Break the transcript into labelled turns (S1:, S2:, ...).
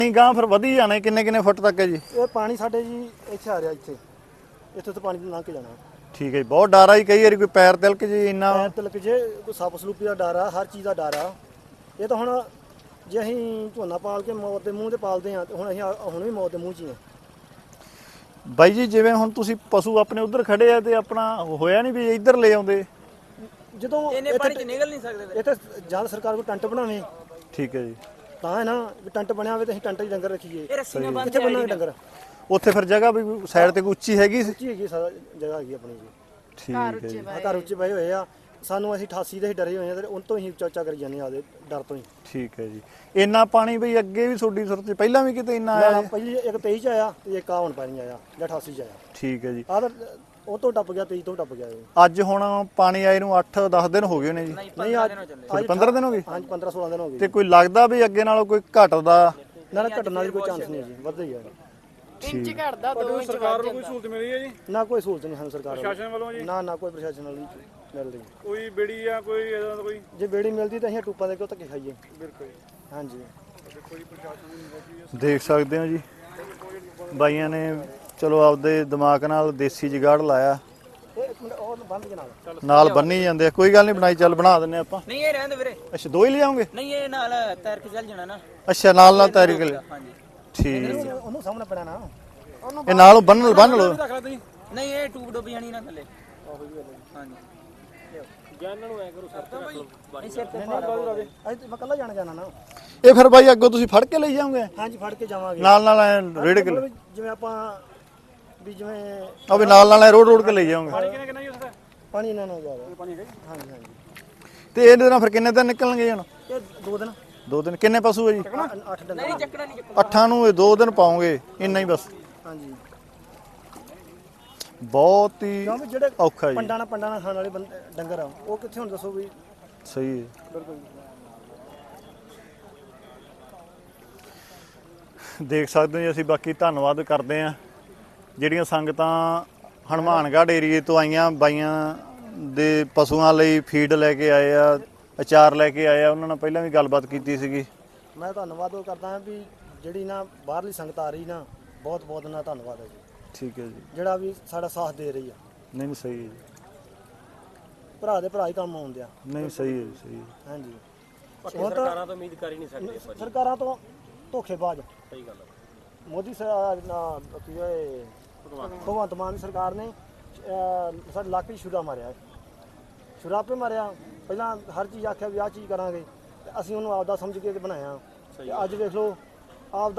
S1: ਨਹੀਂ ਗਾਂ ਫਿਰ ਵਧੀ ਜਾਣਾ ਕਿੰਨੇ ਫੁੱਟ ਤੱਕ ਹੈ ਜੀ?
S2: ਇਹ ਪਾਣੀ ਸਾਡੇ ਜੀ ਇੱਥੇ ਆ ਰਿਹਾ, ਇੱਥੇ ਤੋਂ ਪਾਣੀ ਲੰਘ ਕੇ ਜਾਣਾ।
S1: ਠੀਕ ਹੈ ਜੀ। ਬਹੁਤ ਡਰ ਆ ਜੀ, ਕਈ ਵਾਰੀ ਕੋਈ ਪੈਰ ਤਿਲਕ ਜੀ ਇੰਨਾ
S2: ਪੈਰ ਤਿਲਕ ਜੇ, ਕੋਈ ਸੱਪ ਸਲੂਪੀ ਦਾ ਡਰ ਆ, ਹਰ ਚੀਜ਼ ਦਾ ਡਰ ਆ। ਇਹ ਤਾਂ ਹੁਣ ਜੇ ਅਸੀਂ ਝੋਨਾ ਪਾਲ ਕੇ ਮੌਤ ਦੇ ਮੂੰਹ ਤੇ ਪਾਲਦੇ ਆ, ਤੇ ਹੁਣ ਅਸੀਂ ਹੁਣ ਵੀ ਮੌਤ ਦੇ ਮੂੰਹ 'ਚ ਹੀ ਆ।
S1: ਬਾਈ ਜੀ ਜਿਵੇਂ ਹੁਣ ਤੁਸੀਂ ਪਸ਼ੂ ਆਪਣੇ ਉਧਰ ਖੜੇ ਆ ਤੇ ਆਪਣਾ ਹੋਇਆ ਨਹੀਂ ਵੀ ਇੱਧਰ ਲੈ ਆਉਂਦੇ?
S2: ਜਦੋਂ
S3: ਇਹਨੇ ਪਾਣੀ 'ਚ ਨਿਕਲ ਨਹੀਂ ਸਕਦੇ
S2: ਇੱਥੇ ਜਦ ਸਰਕਾਰ ਕੋਈ ਟੰਟ ਬਣਾਵੇ
S1: ਠੀਕ ਹੈ ਜੀ,
S2: ਤਾਂ ਹੈ ਨਾ, ਵੀ ਟੰਟ ਬਣਿਆ ਹੋਵੇ ਤੇ ਅਸੀਂ ਟੰਟ 'ਚ ਡੰਗਰ ਰੱਖੀਏ।
S3: ਇਹ ਰੱਸੀ ਨਾਲ ਬੰਨ੍ਹ
S2: ਕਿੱਥੇ ਬੰਨਾਂਗੇ ਡੰਗਰ?
S1: ਉੱਥੇ ਫਿਰ ਜਗ੍ਹਾ ਵੀ ਸਾਈਡ ਤੇ ਕੋਈ ਉੱਚੀ ਹੈਗੀ ਸੀ?
S2: ਉੱਚੀ ਹੈਗੀ, ਸਾਰਾ ਜਗ੍ਹਾ ਹੈਗੀ ਆਪਣੀ ਜੀ।
S1: ਠੀਕ ਹੈ ਜੀ।
S2: ਘਰ ਉੱਚੇ ਪਏ ਹੋਏ ਆ ਸਾਨੂੰ, ਅਸੀਂ 88 ਦੇ ਡਰੇ ਹੋਏ ਆ ਤੇ ਉਹਨਾਂ ਤੋਂ ਹੀ ਉੱਚਾ ਕਰੀ ਜਾਂਦੇ ਆ ਆਦੇ ਡਰ ਤੋਂ ਹੀ।
S1: ਠੀਕ ਹੈ ਜੀ। ਇੰਨਾ ਪਾਣੀ ਬਈ ਅੱਗੇ ਵੀ ਤੁਹਾਡੀ ਸੁਰਤ 'ਚ ਪਹਿਲਾਂ ਵੀ ਕਿਤੇ ਇੰਨਾ ਆਇਆ?
S2: ਪਹਿਲੀ ਇੱਕ 23 'ਚ ਆਇਆ ਤੇ ਇੱਕ ਆ ਹੁਣ ਪਾਣੀ ਆਇਆ ਜਾਂ 88 'ਚ ਆਇਆ।
S1: ਠੀਕ ਹੈ ਜੀ।
S2: ਆ ਤਾਂ ਉਹ ਤੋਂ ਟੱਪ ਗਿਆ, 23 ਤੋਂ ਟੱਪ ਗਿਆ ਇਹ।
S1: ਅੱਜ ਹੁਣ ਪਾਣੀ ਆਏ ਨੂੰ 8-10 ਦਿਨ ਹੋ ਗਏ ਨੇ ਜੀ?
S2: ਨਹੀਂ ਅੱਜ
S1: 15 ਦਿਨ ਹੋ ਗਏ?
S2: ਹਾਂਜੀ 15-16 ਦਿਨ ਹੋ ਗਏ।
S1: ਤੇ ਕੋਈ ਲੱਗਦਾ ਵੀ ਅੱਗੇ ਨਾਲੋਂ ਕੋਈ ਘਟਦਾ?
S2: ਨਾ ਘਟਣ ਦਾ ਕੋਈ ਚਾਂਸ ਨਹੀਂ ਜੀ, ਵੱਧਦਾ ਹੀ ਆ।
S4: ਇੰਚ ਘਟਦਾ 2 ਇੰਚ
S5: ਸਰਕਾਰ ਨੂੰ ਕੋਈ ਸਹੂਲਤ ਮਿਲੀ ਹੈ ਜੀ?
S2: ਨਾ ਕੋਈ ਸਹੂਲਤ ਨਹੀਂ ਸਾਨੂੰ ਸਰਕਾਰ
S5: ਪ੍ਰਸ਼ਾਸਨ ਵੱਲੋਂ ਜੀ?
S2: ਨਾ ਕੋਈ ਪ੍ਰਸ਼ਾਸਨ ਵੱਲੋਂ ਮਿਲਦੀ।
S5: ਕੋਈ ਬੇੜੀ ਜਾਂ ਕੋਈ ਇਦਾਂ ਦਾ ਕੋਈ?
S2: ਜੇ ਬੇੜੀ ਮਿਲਦੀ ਤਾਂ ਅਸੀਂ ਟੂਪਾਂ ਦੇ ਕਿਉਂ ਧੱਕੇ ਖਾਈਏ?
S5: ਬਿਲਕੁਲ ਜੀ।
S2: ਹਾਂਜੀ
S5: ਕੋਈ ਪ੍ਰਸ਼ਾਸਨ ਨਹੀਂ ਮਿਲਦੀ।
S1: ਦੇਖ ਸਕਦੇ ਹੋ ਜੀ, ਬਾਈਆਂ ਨੇ ਚਲੋ ਆਪਦੇ ਦਿਮਾਗ ਨਾਲ ਦੇਸੀ ਜੁਗਾੜ ਲਾਇਆ,
S2: ਇਹ ਇੱਕ ਮਿੰਟ ਉਹ ਬੰਦ ਕੇ
S1: ਨਾਲ ਬੰਨੀ ਜਾਂਦੇ ਆ। ਕੋਈ ਗੱਲ ਨਹੀਂ, ਬਣਾਈ ਚੱਲ ਬਣਾ ਦਿੰਨੇ ਆਪਾਂ।
S3: ਨਹੀਂ ਇਹ ਰਹਿੰਦੇ ਵੀਰੇ,
S1: ਅੱਛਾ ਦੋ ਹੀ ਲਿਆਉਂਗੇ?
S3: ਨਹੀਂ ਇਹ ਨਾਲ ਤੈਰ ਕੇ ਚੱਲ ਜਾਣਾ ਨਾ।
S1: ਅੱਛਾ ਨਾਲ ਤੈਰੀ ਕੇ
S3: ਹਾਂਜੀ
S1: ਠੀਕ।
S2: ਉਹਨੂੰ ਸਾਹਮਣੇ ਪੈਣਾ ਨਾ।
S1: ਇਹ ਨਾਲ ਬੰਨ ਲਓ।
S3: ਨਹੀਂ ਇਹ ਟੂਬ ਡੁੱਬ ਜਾਣੀ ਨਾ ਥੱਲੇ। ਹਾਂਜੀ
S5: ਜਾਨਾਂ ਨੂੰ ਐ ਕਰੋ ਸਰ
S3: ਨਹੀਂ ਸਿਰ ਤੇ
S2: ਅੱਜ ਮੈਂ ਕੱਲਾ ਜਾਣਾ ਨਾ।
S1: ਇਹ ਫਿਰ ਬਾਈ ਅੱਗੋਂ ਤੁਸੀਂ ਫੜ ਕੇ ਲਈ ਜਾਓਗੇ?
S2: ਹਾਂਜੀ ਫੜ ਕੇ ਜਾਵਾਂਗੇ
S1: ਨਾਲ ਰੇੜ ਕੇ?
S2: ਮਤਲਬ ਜਿਵੇਂ ਆਪਾਂ ਵੀ ਜਿਵੇਂ
S1: ਉਹ ਵੀ ਨਾਲ ਰੋਡ ਕੇ ਲਈ ਜਾਓਗੇ?
S5: ਕਿੰਨਾ ਜੀ ਉਸ ਦਾ
S2: ਪਾਣੀ ਇਹਨਾਂ ਨੂੰ ਜ਼ਿਆਦਾ ਪਾਣੀ ਹੈ। ਹਾਂਜੀ ਹਾਂਜੀ।
S1: ਤੇ ਇਹਦੇ ਨਾਲ ਫਿਰ ਕਿੰਨੇ ਦਿਨ ਨਿਕਲਣਗੇ ਹੁਣ?
S2: ਇਹ 2 ਦਿਨ
S1: 2 ਦਿਨ। ਕਿੰਨੇ ਪਸ਼ੂ ਹੈ ਜੀ?
S2: 8 ਦਿਨ।
S3: ਨਹੀਂ ਚੱਕਣਾ ਨਹੀਂ ਚੱਕਣਾ।
S1: 8 ਨੂੰ ਇਹ 2 ਦਿਨ ਪਾਉਂਗੇ, ਇੰਨਾ ਹੀ ਬਸ?
S2: ਹਾਂਜੀ
S1: ਬਹੁਤ ਹੀ
S2: ਕਿਉਂਕਿ ਜਿਹੜੇ
S1: ਔਖਾ ਜੀ।
S2: ਪੰਡਾਂ ਨਾਲ ਖਾਣ ਵਾਲੇ ਡੰਗਰ ਆ ਉਹ ਕਿੱਥੇ ਹੁਣ ਦੱਸੋ ਵੀ?
S1: ਸਹੀ ਹੈ।
S2: ਬਿਲਕੁਲ
S1: ਦੇਖ ਸਕਦੇ ਹੋ ਜੀ, ਅਸੀਂ ਬਾਕੀ ਧੰਨਵਾਦ ਕਰਦੇ ਹਾਂ ਜਿਹੜੀਆਂ ਸੰਗਤਾਂ ਹਨੂਮਾਨਗੜ੍ਹ ਏਰੀਏ ਤੋਂ ਆਈਆਂ, ਬਾਈਆਂ ਦੇ ਪਸ਼ੂਆਂ ਲਈ ਫੀਡ ਲੈ ਕੇ ਆਏ ਆ, ਅਚਾਰ ਲੈ ਕੇ ਆਏ ਆ। ਉਹਨਾਂ ਨਾਲ ਪਹਿਲਾਂ ਵੀ ਗੱਲਬਾਤ ਕੀਤੀ ਸੀਗੀ।
S2: ਮੈਂ ਧੰਨਵਾਦ ਉਹ ਕਰਦਾ ਹਾਂ ਵੀ ਜਿਹੜੀ ਨਾ ਬਾਹਰਲੀ ਸੰਗਤ ਆ ਰਹੀ ਨਾ, ਬਹੁਤ ਬਹੁਤ ਨਾ ਧੰਨਵਾਦ ਹੈ ਜੀ।
S1: ਠੀਕ ਹੈ ਜੀ।
S2: ਜਿਹੜਾ ਵੀ ਸਾਡਾ ਸਾਥ ਦੇ ਰਹੀ ਆ।
S1: ਨਹੀਂ ਸਹੀ ਹੈ ਜੀ।
S2: ਭਰਾ ਦੇ ਭਰਾ ਹੀ ਕੰਮ ਆਉਂਦੇ ਆ।
S1: ਨਹੀਂ ਸਹੀ ਹੈ ਜੀ, ਸਹੀ ਹੈ।
S2: ਹਾਂਜੀ
S5: ਸਰਕਾਰਾਂ ਤੋਂ ਉਮੀਦ ਕਰ ਹੀ ਨਹੀਂ ਸਕਦੇ ਆਪਾਂ।
S2: ਸਰਕਾਰਾਂ ਤੋਂ ਧੋਖੇਬਾਜ਼।
S5: ਸਹੀ ਗੱਲ ਹੈ।
S2: ਮੋਦੀ ਸਰਕਾਰ ਭਗਵੰਤ ਮਾਨ ਦੀ ਸਰਕਾਰ ਨੇ ਸਾਡੇ ਇਲਾਕੇ 'ਚ ਛੁਰਾ ਮਾਰਿਆ। ਛੁਰਾ ਆਪੇ ਮਾਰਿਆ। ਪਹਿਲਾਂ ਹਰ ਚੀਜ਼ ਆਖਿਆ ਵੀ ਆਹ ਚੀਜ਼ ਕਰਾਂਗੇ ਤੇ ਅਸੀਂ ਉਹਨੂੰ ਆਪਦਾ ਸਮਝ ਕੇ ਬਣਾਇਆ। ਤੇ ਅੱਜ ਵੇਖ ਲਓ ਆਪਦਾ